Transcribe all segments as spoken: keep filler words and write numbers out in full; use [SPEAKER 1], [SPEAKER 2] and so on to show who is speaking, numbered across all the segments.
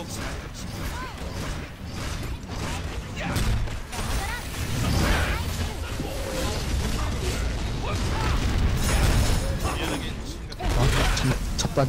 [SPEAKER 1] 아, 참, 첫단.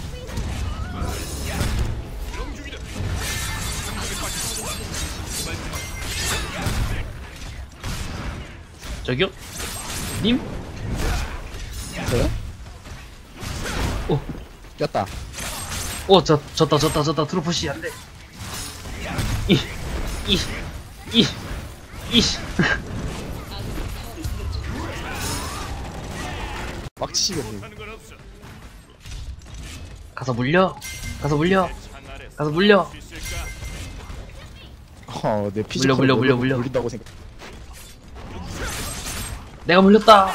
[SPEAKER 2] 저기요? 님?
[SPEAKER 1] 저요?
[SPEAKER 2] 오,
[SPEAKER 1] 꼈다.
[SPEAKER 2] 오, 저, 졌다, 졌다, 졌다. 트로프시 안 돼. 이, 이, 이, 이.
[SPEAKER 1] 빡치시겠네.
[SPEAKER 2] 가서 물려. 가서 물려. 가서 물려.
[SPEAKER 1] 어, 내 피지컬
[SPEAKER 2] 물려, 물려, 물려, 물려.
[SPEAKER 1] 물린다고 생각.
[SPEAKER 2] 내가 물렸다.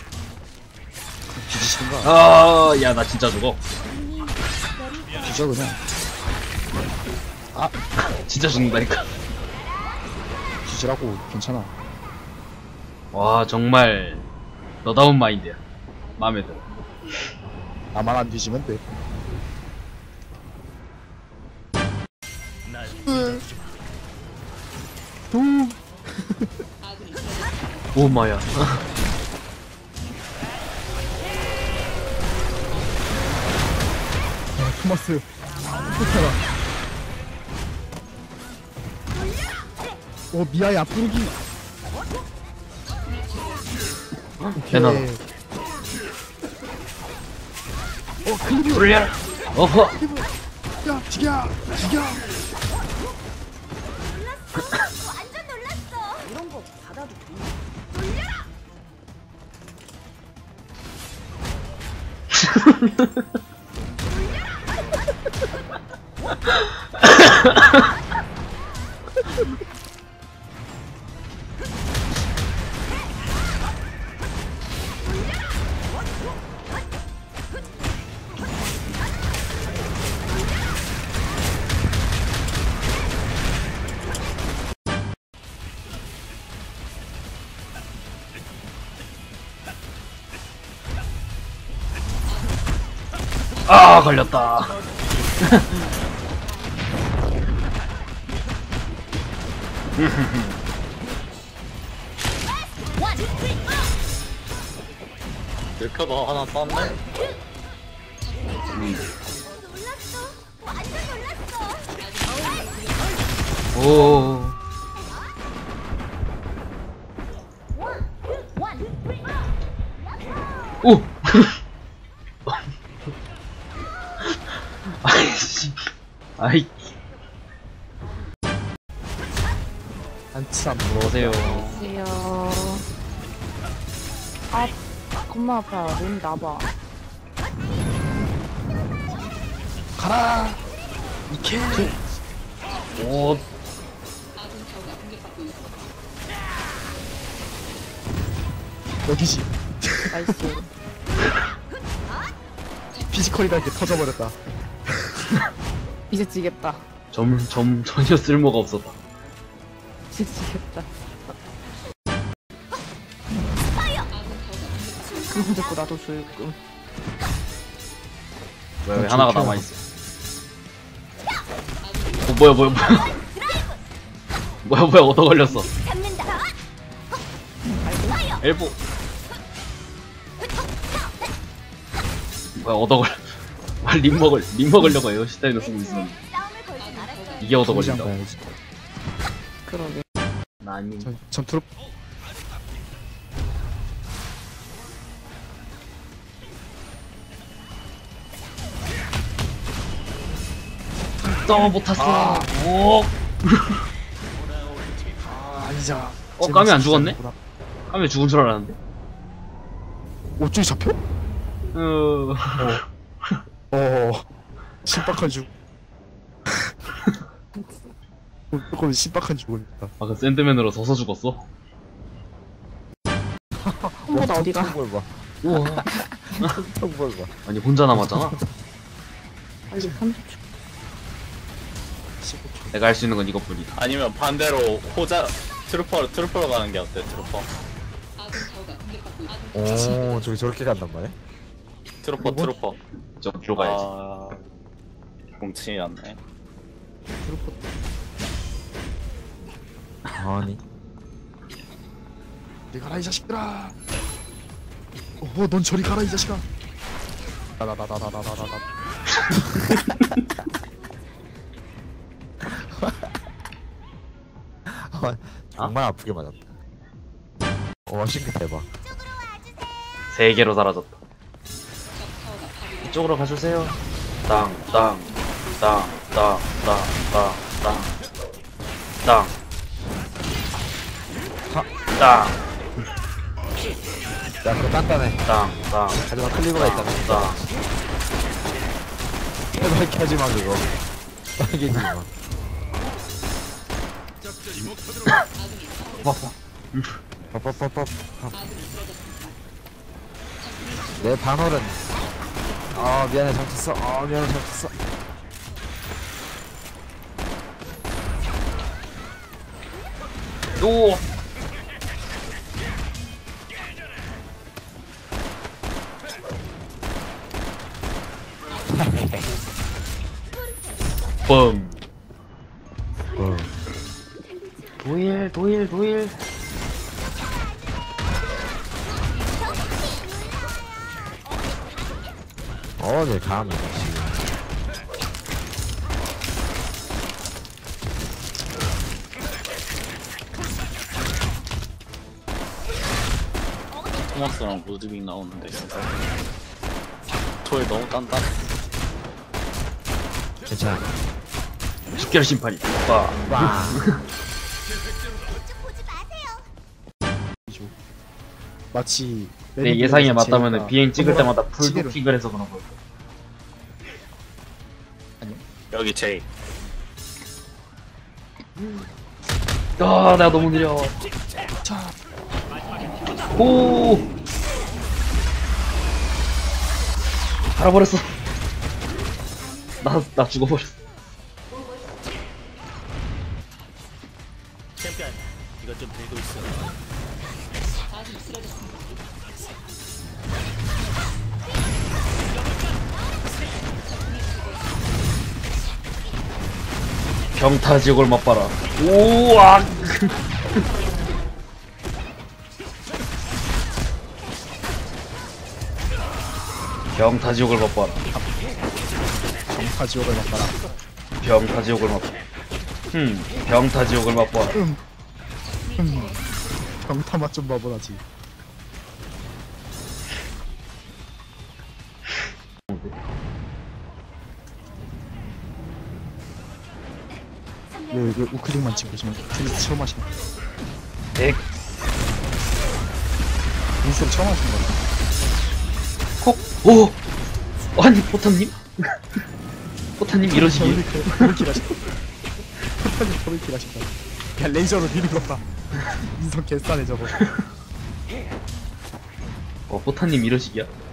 [SPEAKER 1] 뒤지시는가?
[SPEAKER 2] 아, 야, 나 진짜 죽어.
[SPEAKER 1] 뒤져 그냥. 아,
[SPEAKER 2] 진짜 죽는다니까.
[SPEAKER 1] 뒤지라고. 괜찮아.
[SPEAKER 2] 와, 정말 너다운 마인드야. 마음에 들어.
[SPEAKER 1] 나만 안 뒤지면 돼. 도.
[SPEAKER 2] 오 마야.
[SPEAKER 1] 아, 토마스. 좋더라. 오, 미아의 앞부르기.
[SPEAKER 2] 대단하다.
[SPEAKER 1] 어, 클리브.
[SPEAKER 2] 돌려라. 어허.
[SPEAKER 1] 야, 죽여, 죽여.
[SPEAKER 3] 완전 놀랐어. 이런 거 받아도 돼. 돌려라.
[SPEAKER 2] 아, 걸렸다.
[SPEAKER 4] 이렇게 너 하나 땄네?
[SPEAKER 3] 놀랐어. 완전 놀랐어.
[SPEAKER 2] 오. 오. 아이씨. 아이.
[SPEAKER 1] 한참
[SPEAKER 2] 들어오세요.
[SPEAKER 5] 안녕하세요. 아, 겁나 아파. 몸 나봐.
[SPEAKER 1] 가라. 이케.
[SPEAKER 2] 오.
[SPEAKER 1] 여기지.
[SPEAKER 5] 나이스.
[SPEAKER 1] 피지컬이다 이렇게 터져버렸다.
[SPEAKER 5] 이제 지겠다.
[SPEAKER 2] 점, 점, 전혀 쓸모가 없었다.
[SPEAKER 5] 이제 지겠다. 그거 듣고 나도 조금.
[SPEAKER 2] 왜, 왜 하나가 남아있어. 어, 뭐야, 뭐야, 뭐야. 뭐야, 뭐야, 얻어 걸렸어.
[SPEAKER 3] 잡는다.
[SPEAKER 2] 엘보. 뭐야, 얻어 걸렸어. 아, 림 먹을, 림 먹으려고 에어시타인을 쓰고 있었는데.
[SPEAKER 3] 싸움을 걸진 않았어요.
[SPEAKER 2] 이게 얻어
[SPEAKER 1] 공장
[SPEAKER 2] 걸린다고.
[SPEAKER 1] 가야지.
[SPEAKER 5] 그러게.
[SPEAKER 2] 나니.
[SPEAKER 1] 전, 전 트롭.
[SPEAKER 2] 써, 못 탔어. 오.
[SPEAKER 1] 아, 아니자.
[SPEAKER 2] 어, 까미 안 죽었네? 까미 죽은 줄 알았는데.
[SPEAKER 1] 어쭈이 잡혀?
[SPEAKER 2] 어.
[SPEAKER 1] 어. 신박한 죽. 조금 신박한 죽음이다.
[SPEAKER 2] 아, 그 샌드맨으로 서서 죽었어?
[SPEAKER 5] 홍보다 어디가?
[SPEAKER 1] 뭘 봐. 우와. 뭘 봐.
[SPEAKER 2] 아니, 혼자 남았잖아?
[SPEAKER 5] 아직 삼십 초.
[SPEAKER 2] 내가 할 수 있는 건 이것뿐이다.
[SPEAKER 4] 아니면 반대로 호자 트루퍼로 트루퍼로 가는 게 어때? 트루퍼
[SPEAKER 6] 오, 저기 저렇게 간단 말이야?
[SPEAKER 4] 트루퍼 트루퍼
[SPEAKER 2] 저기로 가야지.
[SPEAKER 4] 아... 공치였네.
[SPEAKER 1] 트루퍼.
[SPEAKER 6] 아니.
[SPEAKER 1] 저리 가라 이 자식들아. 어, 넌 저리 가라 이 자식아. 나나나나나나나나.
[SPEAKER 6] 정말 아프게 맞았다. 와 싱크 대박.
[SPEAKER 2] 세 개로 사라졌다. 이쪽으로 가주세요. 땅, 땅, 땅, 땅, 땅, 땅, 땅, 땅, 땅,
[SPEAKER 6] 야 그거 단단해.
[SPEAKER 2] 땅, 땅,
[SPEAKER 6] 하지만 클리브가 있다며.
[SPEAKER 2] 땅.
[SPEAKER 6] 제발 켜지마 그거. 빨개지지 마. 뻑뻑뻑뻑. 내 반월은. 아 미안해 잘쳤어. 아 미안해 잘쳤어.
[SPEAKER 2] 오! 뻥.
[SPEAKER 6] 어.
[SPEAKER 2] 도일, 도일, 도일.
[SPEAKER 6] 어딜 감히 지금.
[SPEAKER 4] 토마스랑 루드빅 나오는데 토일 너무 단단해.
[SPEAKER 6] 괜찮아.
[SPEAKER 2] 식결 심판이. 빠.
[SPEAKER 6] 와.
[SPEAKER 3] 보지 마세요.
[SPEAKER 1] 마치
[SPEAKER 2] 내 예상에
[SPEAKER 1] 레드불에서
[SPEAKER 2] 맞다면
[SPEAKER 1] 제이가
[SPEAKER 2] 비행 찍을
[SPEAKER 1] 동그란
[SPEAKER 2] 때마다
[SPEAKER 1] 시계를-
[SPEAKER 2] 풀도킹을 해서 그런 거야.
[SPEAKER 4] 여기 제이.
[SPEAKER 2] 아, 내가 너무 느려.
[SPEAKER 1] 자,
[SPEAKER 2] 오! 갈아버렸어. 나, 나 죽어버렸어.
[SPEAKER 4] 챔피언 이거 좀 들고 있어.
[SPEAKER 2] 경타 지옥을 맛봐라. 우와! 경타 지옥을 맛봐라.
[SPEAKER 1] 정파 지옥을 맛봐라.
[SPEAKER 2] 병타 지옥을 맛봐라. 흠, 병타 지옥을 맛봐라.
[SPEAKER 1] 음, 음, 병타 맛 좀 봐보라지. 왜, 왜 우클릭만 찍고 있으면 우클릭 처음 하시는 거야?
[SPEAKER 2] 백,
[SPEAKER 1] 인스를 처음 하시는 거야?
[SPEAKER 2] 콕, 오! 아니, 포탄님? 포탄님 이러시기에.
[SPEAKER 1] 더블킬 하신다. 포탄이 더블킬 하신다. 야, 레이저로 미는 거 봐. 인성 개싸네 저거.
[SPEAKER 2] 어, 포탄님 이러시기야.